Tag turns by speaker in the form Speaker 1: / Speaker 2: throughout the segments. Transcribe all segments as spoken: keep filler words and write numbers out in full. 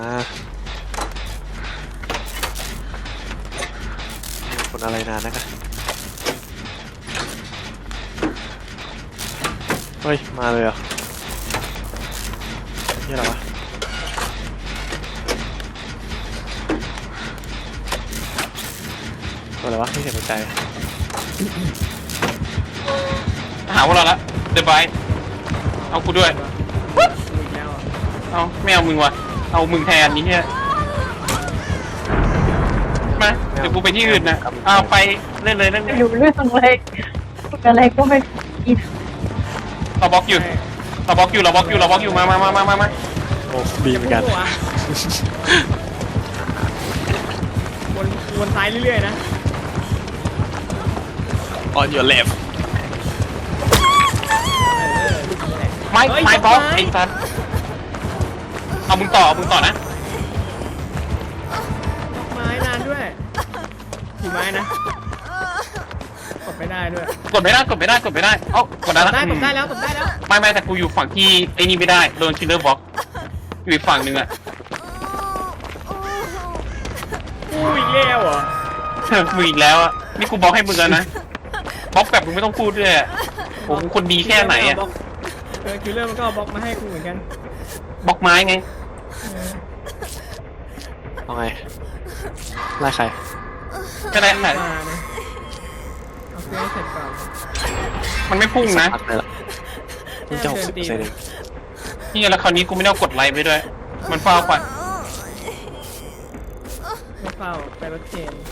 Speaker 1: คนอะไรนานนะครับเฮ้ยมาเลยเหรอนี่อะไรวะตัวอะไรวะไม่เห็นหัวใจ
Speaker 2: หาพวกเราละเดบายเอากูด้วยเอาไม่เอามึงวะเอามึงแทนนี้เนี่ยมาเดี๋ยวกูไปที่อื่นนะเอาไปเล่นเลยเล่นเลย
Speaker 3: อยู่เรื่องอะไรอะไรก็ไม่กิน
Speaker 2: เราบล็อกอยู่เราบล็อกอยู่เราบล็อกอยู่เราบล็อกอยู่มามามามามามา
Speaker 1: โอ้บีเหมือนกัน
Speaker 4: วนวนซ้ายเรื่อยๆนะ
Speaker 1: on your left
Speaker 2: ไม่ไม่บล็อกไอ้สัสเอามึงต่อเอามึงต่อนะ
Speaker 4: ไม้นานด้วยกี่ไม้นะกดไม่ได้ด้วย
Speaker 2: กดไม่ได้กดไม่ได้กดไม่ได้เอ้ากดได้
Speaker 4: กด
Speaker 2: แล้ว
Speaker 4: ได้กดได้แล้วกดได้แล้ว
Speaker 2: ไม่ไม่แต่กูอยู่ฝั่งที่ไอ้นี่ไม่ได้โดนคิลเลอร์บล็อกอยู่อีกฝั่งหนึ่งอะ
Speaker 4: กูอีกแล้วเหรอ
Speaker 2: มึงอีกแล้วอะนี่กูบล็อกให้มึงแล้วนะบล็อกแบบมึงไม่ต้องพูดด้วยอะผมคนดีแค่ไหนอะ
Speaker 4: เออคิลเลอร์มันก็เอาบล็อกมาให้กูเหมือนกัน
Speaker 2: บล็อกไม้ไง
Speaker 1: เอาไงไล่ใคร
Speaker 2: ก็ได้แต่
Speaker 4: มานะเอาเพื่อให้เสร็จก่อน
Speaker 2: มันไม่พุ่งนะ
Speaker 1: สักพักเลยละมึงจะหกสิบเปอร์เซ็นต์เอง
Speaker 2: นี่แล้วคราวนี้กูไม่ได้กดไลค์ไปด้วยมันเฝ้าก่อน
Speaker 4: ไม่เฝ้าไปรถเคน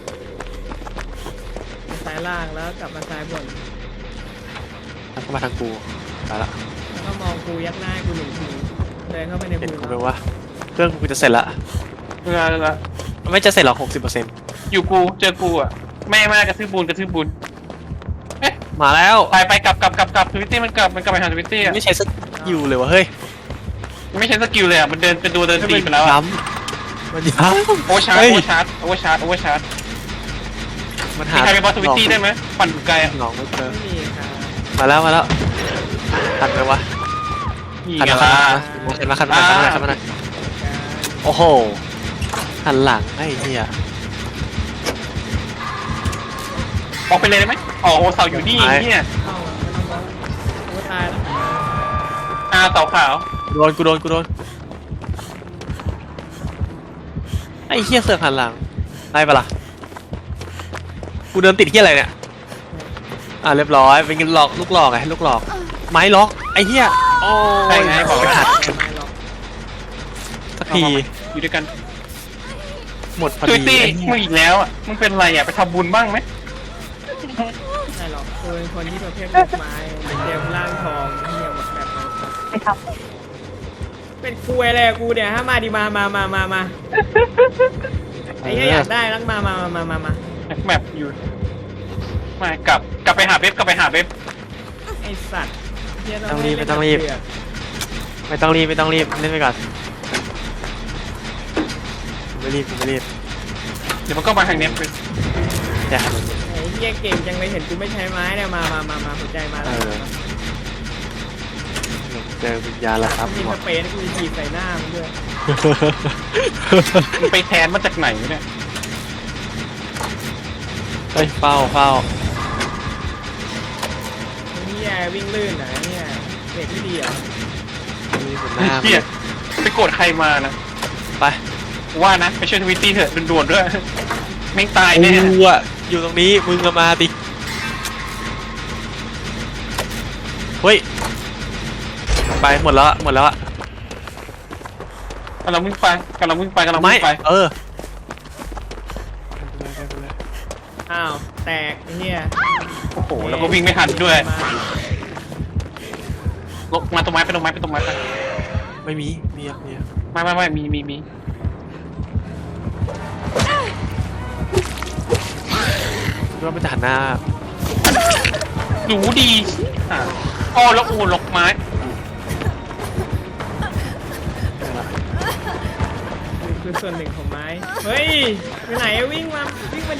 Speaker 4: ไปซ้ายล่างแล้วกลับมาซ้ายบน
Speaker 1: แล้วก็มาทางกูไปละ
Speaker 4: แล้วก็มองกูยักหน้าให้กูหนึ่งทีเดินเข้าไปใน
Speaker 1: เห็น
Speaker 4: บู
Speaker 1: กู
Speaker 4: ธ
Speaker 1: ไหมว่าเครื่องกูจะเสร็จละ
Speaker 2: เออเออ
Speaker 1: ไม่จะเสร็จหรอกหกสิบเปอร์เซ็นต์
Speaker 2: อยู่กูเจอกูอะแม่แม่กระทืบบุญกระทืบบุญเอ๊ะ
Speaker 1: มาแล้ว
Speaker 2: ไปไปกลับกลับกลับกลับทวิตตี้มันกลับมันกลับไปหาทวิตตี้อะ
Speaker 1: ไม่ใช่สกิลเลยวะเฮ้ย
Speaker 2: มันไม่ใช่สกิลเลยอะมันเดินเป็นตัวเดินตีไปแล้วอะ
Speaker 1: ย้ำมันย้ำ
Speaker 2: โอเวอร์ชาร์จ
Speaker 1: เฮ้
Speaker 2: โอย เวอร์ชาร์จโอเวอร์ชาร์จโอเวอร์ชาร์จ
Speaker 1: มันหา
Speaker 2: มีใครไปบอสทวิตตี้ได้ไหมปั่นไกลอะ
Speaker 1: หนองไม่เจอ
Speaker 4: ไม่มีครับ
Speaker 1: มาแล้วมาแล้วทันไหมวะ
Speaker 2: นี่
Speaker 1: ทัน
Speaker 2: ไง
Speaker 1: มา
Speaker 2: ล่ะ
Speaker 1: ทันมาทันมาทันมาทันมาทันมาโอ้โหหันหลังไอ้เหี้ย
Speaker 2: บล็อกไปเลยได้ไหมอ๋อโอเสาอยู่นี่เนี่ย
Speaker 4: เข้าไม่ต้องบล็อกกูตายแล้ว
Speaker 2: อาเสาขาว
Speaker 1: โดนกูโดนกูโดนไอ้เหี้ยเสือกหันหลังได้ปะล่ะกูเดินติดเหี้ยอะไรเนี่ยอ่ะเรียบร้อยเป็นหลอกลูกหลอกไงลูกหลอกไม้ล็อกไอ้เหี้ยโอ้ย
Speaker 2: ใช่ไงบอก
Speaker 1: ไม่
Speaker 2: ว่า
Speaker 1: ทัน
Speaker 4: ไม่หรอก
Speaker 1: สักที
Speaker 2: อยู่ด้วยกัน
Speaker 1: หมดพอ
Speaker 2: ทวิ
Speaker 1: ดี
Speaker 2: ตตี้
Speaker 1: ไอ้เหี้
Speaker 2: มึง
Speaker 1: ย
Speaker 2: อีกแล้วอ่ะมึงเป็นไรอ่ะไปทำบุญบ้างไหม
Speaker 4: ไม่หรอกกูเป็นคนที่ประเภทลูกไม้เป็นเดวร่างทองเหี้ยหมดแบบนั้น
Speaker 3: ไปท
Speaker 4: เป็นกูอะไรอะกูเนี่ยฮะมาดิมามามามามาไอ้เหี้ยอยากได้รักมามามามามา
Speaker 2: แมปอยู่มากลับกลับไปหาเว็บกลับไปหาเว็บ
Speaker 4: ไอ้สัตว์เหี้ย
Speaker 1: ไม่ต้องรีบ
Speaker 4: ให้
Speaker 1: ไม่ต้องรีบ
Speaker 4: เล่นแบบ
Speaker 1: ไม่ต้องรีบไม่ต้องรีบเล่นไปก่อนไม่รีบไม่รีบ
Speaker 2: เดี๋ยวมันก็มาทางเนี้ย
Speaker 1: อย่า
Speaker 4: ไอ้เหี้ยเก่งจังเลยเห็นกูไม่ใช้ไม้เนี่ยมามามามาหัวใจมาแล้ว
Speaker 1: เจอวิญญาณแล้วครับ
Speaker 4: มีสเปรย์ให้กูจะฉีดใส่หน้ามึงด้วย
Speaker 2: มึงไปแทนมาจากไหนเนี่ย
Speaker 1: เฮ้ยเฝ้าเฝ้า
Speaker 4: ไอ้เหี้ยวิ่งลื่นเหรอเนี่ยเด็กที่ดีเหรอ
Speaker 1: มีบนหน้า
Speaker 2: เฮียไปโกรธใครมานะ
Speaker 1: ไป
Speaker 2: ว่านะไปช่วยทวิตตี้เถอะด่วนๆด้วยไม่งตายแน่
Speaker 1: กูอะอยู่ตรงนี้มึงก็มาดิเฮ้ยไปหมดแล้วอะหมดแล้วอะ
Speaker 2: กำลังวิ่งไปกำลังวิ่งไปกำลัง
Speaker 1: ไม่
Speaker 2: วิ่งไป
Speaker 1: เออ
Speaker 4: อ้าวแตกไอ้เหี้ย
Speaker 2: โอ้โหแล้วก็วิ่งไม่ทันด้วย
Speaker 4: มา
Speaker 2: ลงมาตรงไม้ไปตรงไม้ไปตรงไม้ไป
Speaker 1: ไม่มีมีอะมีอะ
Speaker 2: ไม่ไม่ไม่มีมีมี
Speaker 1: คิดว่ามันจะหันหน้า
Speaker 2: หนูดีอ่ะอ๋อแล้วโอ้ล็อกไม้
Speaker 4: คือส่วนหนึ่งของไม้เฮ้ยไปไหนอะวิ่งมาวิ่งมาดิ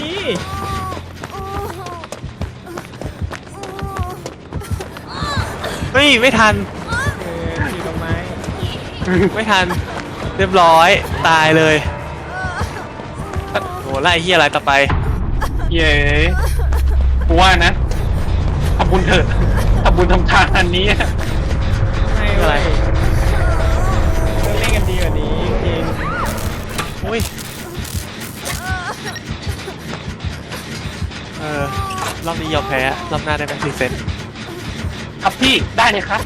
Speaker 1: เฮ้ยไม่ทัน
Speaker 4: เออฉีดตรงไม้
Speaker 1: ไม่ทันเรียบร้อยตายเลยโอ้ไล่เฮียอะไรต่อไป
Speaker 2: เย้กูว่านะทำบุญเถอะทำบุญทำทานอันนี้
Speaker 4: ไม่
Speaker 1: อะไร
Speaker 4: เว้ยต้องเล่นกันดีกว่านี้จริง
Speaker 1: อุ้ยเออรอบนี้ยอมแพ้รอบหน้าได้ไหมรีเซ็ต
Speaker 2: ครับพี่ได้เลยครับ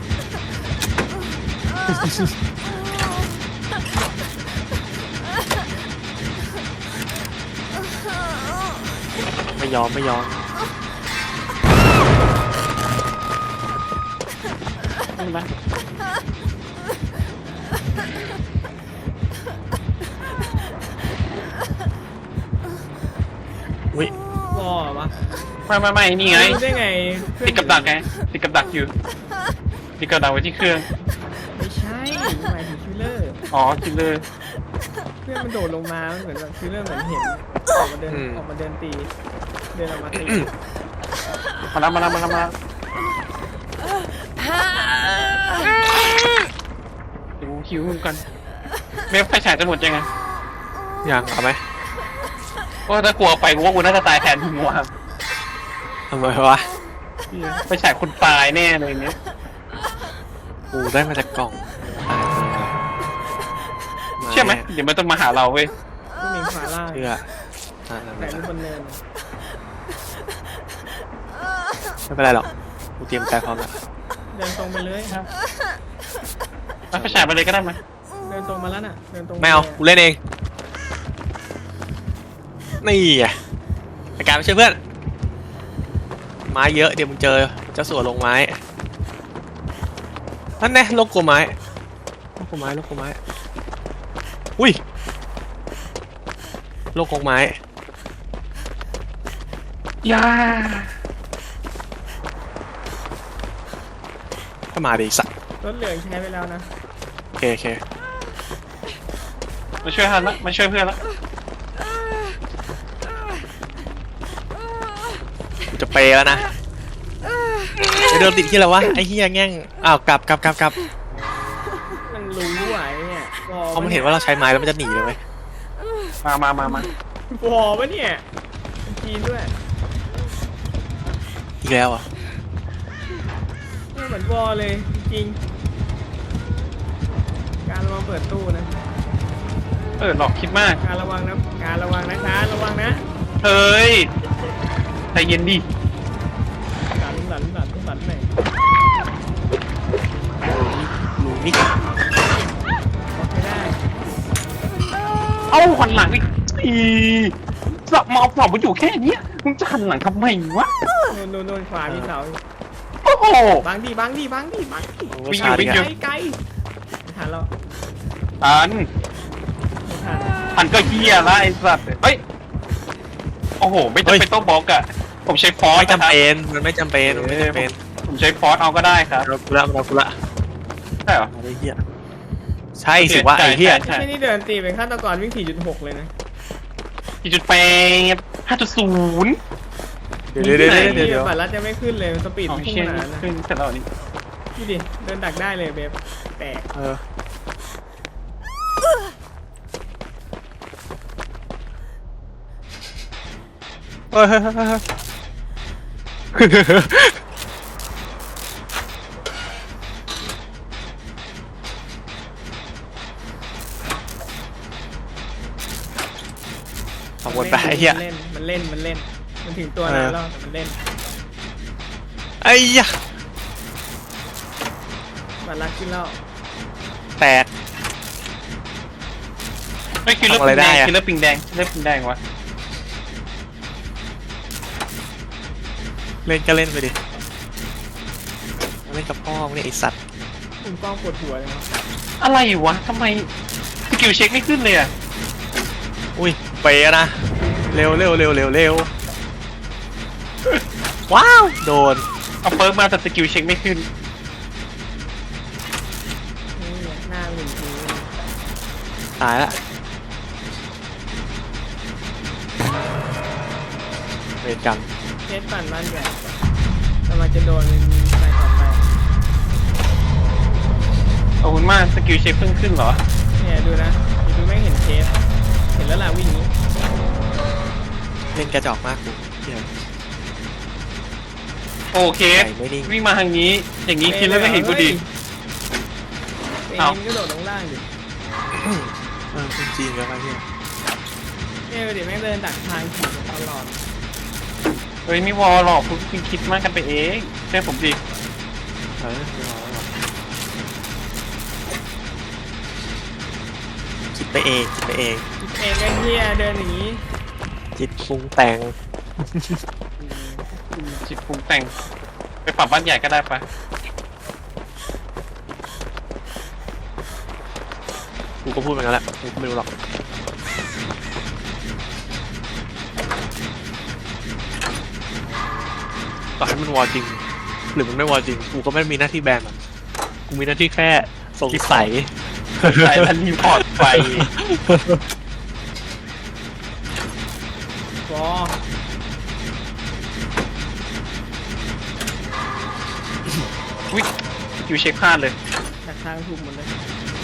Speaker 1: ไม่ยอมไม่ยอม
Speaker 2: นี่ไหม
Speaker 1: อุ้ย
Speaker 4: วอวะ
Speaker 2: ไม่ไม่ไม่นี่ไง
Speaker 4: รู้ได้ไงเครื่อง
Speaker 2: ติดกับดักไงติดกับดักอยู่ติดกับดักไว้ที่เครื่อง
Speaker 4: ไม่ใช่หมายถึงคิลเลอร์
Speaker 2: อ๋อจิเลย
Speaker 4: เพื่อนมันโดดลงมามันเหมือนแบบคิลเลอร์เหมือนเห็นออกมาเดินออกมาเดินตีเดินออกมาตี
Speaker 2: มาแล้วมาแล้วมาแล้วมาแล้วเดี๋ยวกูคิวกันเมฟไฟฉายจะหมดยังไง
Speaker 1: ยังเอาไหม
Speaker 2: ก็ถ้ากลัวไปกูว่ากูน่าจะตายแทนมึงว่ะ
Speaker 1: ทำไมวะ
Speaker 2: ไฟฉายคนตายแน่เลยเนี้ย
Speaker 1: กูได้มาจากกล่อง
Speaker 2: เชื่อไหมเดี๋ยวมันต้องมาหาเราเว้ย
Speaker 4: ผู้หญิงขวาล่าง
Speaker 1: เชื่ออ่า
Speaker 4: แต่รูปบนเนิน
Speaker 1: ไม่เป็นไรหรอกกูเตรียมใจพร้อมแล้ว
Speaker 4: เดินตรงไปเลย
Speaker 2: เอาไฟฉายไปเลยก็ได้ไหม
Speaker 4: เดินตรงมาแล้วน่ะเดินตรง
Speaker 1: ไม่เอากูเล่นเองนี่ไงไอ้การไปช่วยเพื่อนไม้เยอะเดี๋ยวมึงเจอเจ้าสัวลงไม้นั่นแน่ลงกลัวไม้ลงกลัวไม้ลงกลัวไม้อุ้ยลงกลัวไม้
Speaker 2: ยา
Speaker 1: ก็มาดิสัก
Speaker 4: รถเหลืองใช้ไปแล้วนะ
Speaker 1: โอเคโอเค
Speaker 2: มาช่วยทันละมาช่วยเพื่อนละ
Speaker 1: กูจะเปย์แล้วนะไปเดินติดที่อะไรวะไอ้เฮียแง่งอ้าวกลับกลับกลับกลับ
Speaker 4: มันรู้ไหวเนี่ยบอ
Speaker 1: เพราะมันเห็นว่าเราใช้ไม้แล้วมันจะหนีเลยไหม
Speaker 2: มามามามา
Speaker 4: บอปะเนี่ยมันจีนด้วย
Speaker 1: อีกแล้วอ่ะ
Speaker 4: เนี่ยเหมือนบอเลยจริงๆการระวังเปิดตู้นะ
Speaker 2: เออหลอกคิดมาก
Speaker 4: การระวังนะการระวังนะคะระวังนะ
Speaker 2: เฮ้ยใจเย็นดิ
Speaker 4: หลันหลันหลันหลันไหน
Speaker 1: หนูนี่
Speaker 4: บอกไม่ได้
Speaker 2: เอ้าหันหลังอีกอีสับมาเอาฝั่งมันอยู่แค่เนี้ยมึงจะหันหลังทำไมวะ
Speaker 4: โน่นโน่นโน่นขวามีเสาอยู่
Speaker 2: โอ้โห
Speaker 4: บังดิบังดิบังดิบังดิ
Speaker 2: วิ่งอยู่วิ่ง
Speaker 4: ไก
Speaker 2: อยู่
Speaker 4: ลไกลไม่ทันแล้ว
Speaker 2: อัน
Speaker 4: ไม่ทัน
Speaker 2: อันก็เฮียละไอ้สัตว์เฮ้ยโอ้โหไม่จำเป็นต้องบล็อกอะผมใช้ฟอส
Speaker 1: ไม่จำเป็นมันไม่จำเป็นมันไม่จำเป็น
Speaker 2: ผมใช้ฟอสเอาก็ได้ครับ
Speaker 1: เรากูละเรากูละ
Speaker 2: ใช่เหรอ
Speaker 1: ไอ้เหี้ยใช่สิว่าไอ้เหี้ย
Speaker 2: ใช่
Speaker 4: ไม่นี่เดินตีเป็นฆาตกรวิ่ง สี่จุดหก เลยนะ
Speaker 2: สี่จุดแปดห้าจุดศูนย์
Speaker 1: เดี๋ยวเดี๋ยวเดี๋ยวเดี๋ยวเดี๋ยว
Speaker 4: บัตรลัดจะไม่ขึ้นเลยสปีด
Speaker 2: อ๋อ
Speaker 4: พุ่ง
Speaker 2: เชี่ย
Speaker 4: ขนาดนั้นนะ
Speaker 2: ขึ้นเสร็จแล้วนี่
Speaker 4: ดูดิเดินดักได้เลยเบฟแตก
Speaker 1: เออเฮ้ยเฮ้ยเฮ้ยเฮ้ยขอบคุณไปไอ้เหี้ย
Speaker 4: มันเล่นมันเล่นมันเล่นมันถึงตัวนานแล้วแต่มันเล่น
Speaker 1: ไอ้ยะ
Speaker 4: บัตรลัดขึ้นแล้ว
Speaker 1: แตก
Speaker 2: ไม่คิลเลอร์
Speaker 1: ทำอะไร
Speaker 2: ปิง
Speaker 1: ได้
Speaker 2: แดง
Speaker 1: อะ
Speaker 2: คิลเลอร์ปิงแดงคิลเลอร์ปิงแดงวะ
Speaker 1: เล่นก็เล่นไปดิเล่นกับพ่อมึงเนี่ยไอสัตว์
Speaker 4: มุมกล้องปวดหัวเลยนะ
Speaker 2: อะไรวะทำไมสกิลเช็คไม่ขึ้นเลยอะ
Speaker 1: อุ้ยเปย์อะนะเร็วเร็วเร็วเร็วเร็วว้าวโดน
Speaker 2: เอาเปิร์กมาแต่สกิลเช็คไม่ขึ้น
Speaker 4: นี่หน้าหนึ่งที
Speaker 1: ตายละเวรกรรม
Speaker 4: เคสปั่นบ้านใหญ่กำลังจะโดนไปต่อไป
Speaker 2: ขอบคุณมากสกิลเช็คเพิ่งขึ้นเหรอ
Speaker 4: เนี่ยดูนะเดี๋ยวดูไม่งเห็นเคสเห็นแล้วล่ะวิ่งนี้
Speaker 1: เล่นกระจอกมากกูเหี้ย
Speaker 2: โอเค
Speaker 1: ใจไม่นิ่ง
Speaker 2: วิ่งมาทางนี้ อย่างนี้คิดแล้วไม่เห็นกูดี
Speaker 4: เอ็
Speaker 2: เอ้า
Speaker 4: มก็โดดลงล่างดิ
Speaker 1: เออจริงๆแล้วไอ้เหี้ย
Speaker 4: เนี่ยดูดิแม่งเดินดักทางขี่ตลอด
Speaker 2: เฮ้ยไม่วอลหรอกคุณคิดมากกันไปเองเชื่อผมดิ
Speaker 1: เออไม่เอาหรอกคิดไปเองคิดไปเอง
Speaker 4: เองก็เฮียเดินอย่างนี้
Speaker 1: จิตปรุงแต่ง
Speaker 2: จิตปรุงแต่ง ไปปรับบ้านใหญ่ก็ได้ปะ
Speaker 1: กูก็พูดไปงั้นแหละกูก็ไม่รู้หรอกต่อให้มันวอจริง หรือมันไม่วอจริง กูก็ไม่มีหน้าที่แบนมันกูมีหน้าที่แค่สงสัย
Speaker 2: ใส่ทันรีพอร์ตไป
Speaker 4: ฟอ
Speaker 2: อุ้ยอยู่เช็คพลาดเลย
Speaker 4: ดักทางถูกหมดเลย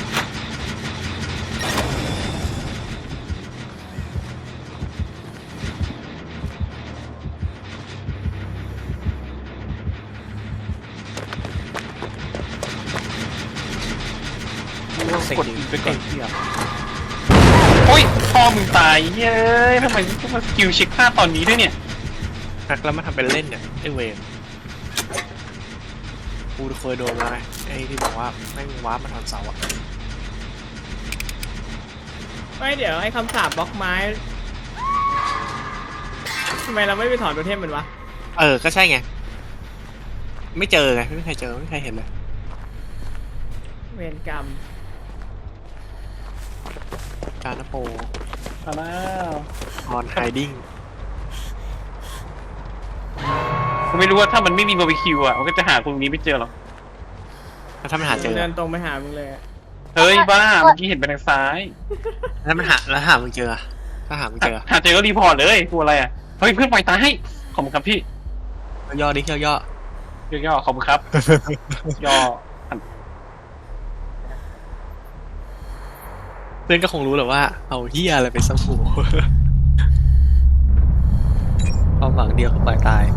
Speaker 2: กดไปก่อนโอ้ยพ่อมึงตายเย้ยทำไมต้องมาสกิลเช็คพลาดตอนนี้ด้วยเนี่ย
Speaker 1: หักแล้วมาทำเป็นเล่นเนี่ยไอเวรกูเคยโดนมาไงไอ้ที่บอกว่าแม่งว้าร์ปมาทอนเสาอะ
Speaker 4: ไม่เดี๋ยวไอ้คำสาปบล็อกไม้ทำไมเราไม่ไปถอนตัวเทพมันวะ
Speaker 1: เออก็ใช่ไงไม่เจอไงไม่มีใครเจอไม่มีใครเห็นเลย
Speaker 4: เวรกรรม
Speaker 1: การนโป
Speaker 2: มาแล้ว
Speaker 1: ออนไฮดิ้ง
Speaker 2: ผมไม่รู้ว่าถ้ามันไม่มีบาร์บีคิวอ่ะมันก็จะหาตรงนี้ไม่เจอหรอก
Speaker 1: แล้วถ้ามันหาเจอ
Speaker 4: เดินตรงไปหามึงเลยอะ
Speaker 2: เฮ้ยบ้าเมื่อกี้เห็นไปทางซ้าย
Speaker 1: แล้วมันหาแล้วหามึงเจออะถ้าหามึงเจอ
Speaker 2: หาเจอก็รีพอร์ตเลยกลัวอะไรอ่ะเฮ้ยเพื่อนปล่อยตายขอบคุณครับพี่
Speaker 1: ย่อดิย่อย่อย่
Speaker 2: อๆขอบคุณครับ ย่อ
Speaker 1: เพื่อนก็คงรู้แหละว่าเอาเฮียอะไรไปสักหูความหวังเดียวคือปล่อยตาย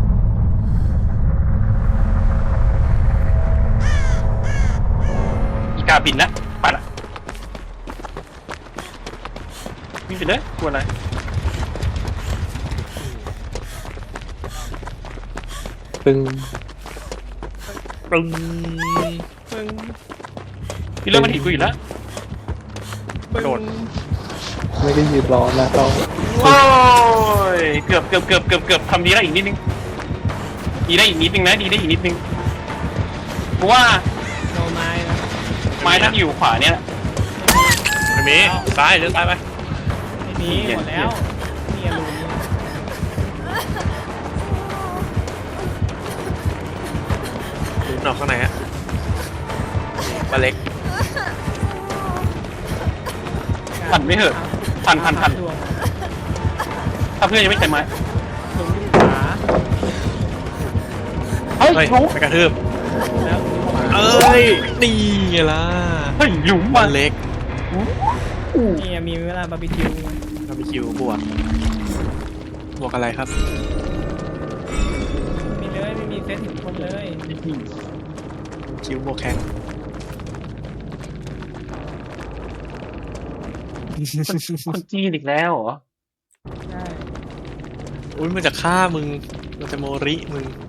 Speaker 2: อีกาบินละไปละวิ่งไปเลยกลัวอะไร
Speaker 1: ปึ้งปึ้ง
Speaker 4: ปึ้ง
Speaker 2: พี่เริ่มมันเห็นกูอยู่แล้ว
Speaker 4: ปึ้ง
Speaker 2: โดด
Speaker 5: ไม่ได้ยืนรอนะต้อง
Speaker 2: โอ้ยเกือบเกือบเกือบเกือบเกือบทำดีได้อีกนิดนึงดีได้อีกนิดนึงนะดีได้อีกนิดนึงเพราะว่า
Speaker 4: โนไม้นะ
Speaker 2: ไม้ที่อยู่ขวาเนี่ย
Speaker 1: ไม่มีซ้ายเดินซ้ายไป
Speaker 4: ไม่มีหมดแล้วมีอลูมิเนียม
Speaker 1: หรือหนอกข้างในฮะปลาเล็ก
Speaker 2: พันไม่เหอะพันพันพัน
Speaker 4: ดวง
Speaker 2: ถ้าเพื่อนยังไม่ใส่ไม้
Speaker 4: หลุมที่ขวา
Speaker 2: เฮ้ย
Speaker 1: เฮ้ย
Speaker 2: หลุม
Speaker 1: ไปกระทืบ
Speaker 4: แล้วหลุมขวา
Speaker 1: เอ้ยนี่ไงล่ะ
Speaker 2: เฮ้ยหลุม
Speaker 1: ปลา
Speaker 2: ว่ะ
Speaker 1: เล็ก
Speaker 4: นี่มีเวลาบาร์บีคิว
Speaker 1: บาร์บีคิวบวกบวกอะไรครับ
Speaker 4: มีเลยไม่มีเซตถึงคนเลย
Speaker 1: คิวบวกแข็ง
Speaker 2: คนจีนอีกแล้วเหรอ
Speaker 4: ใช่
Speaker 1: อุ้ยมันจะฆ่ามึงมันจะโมริมึง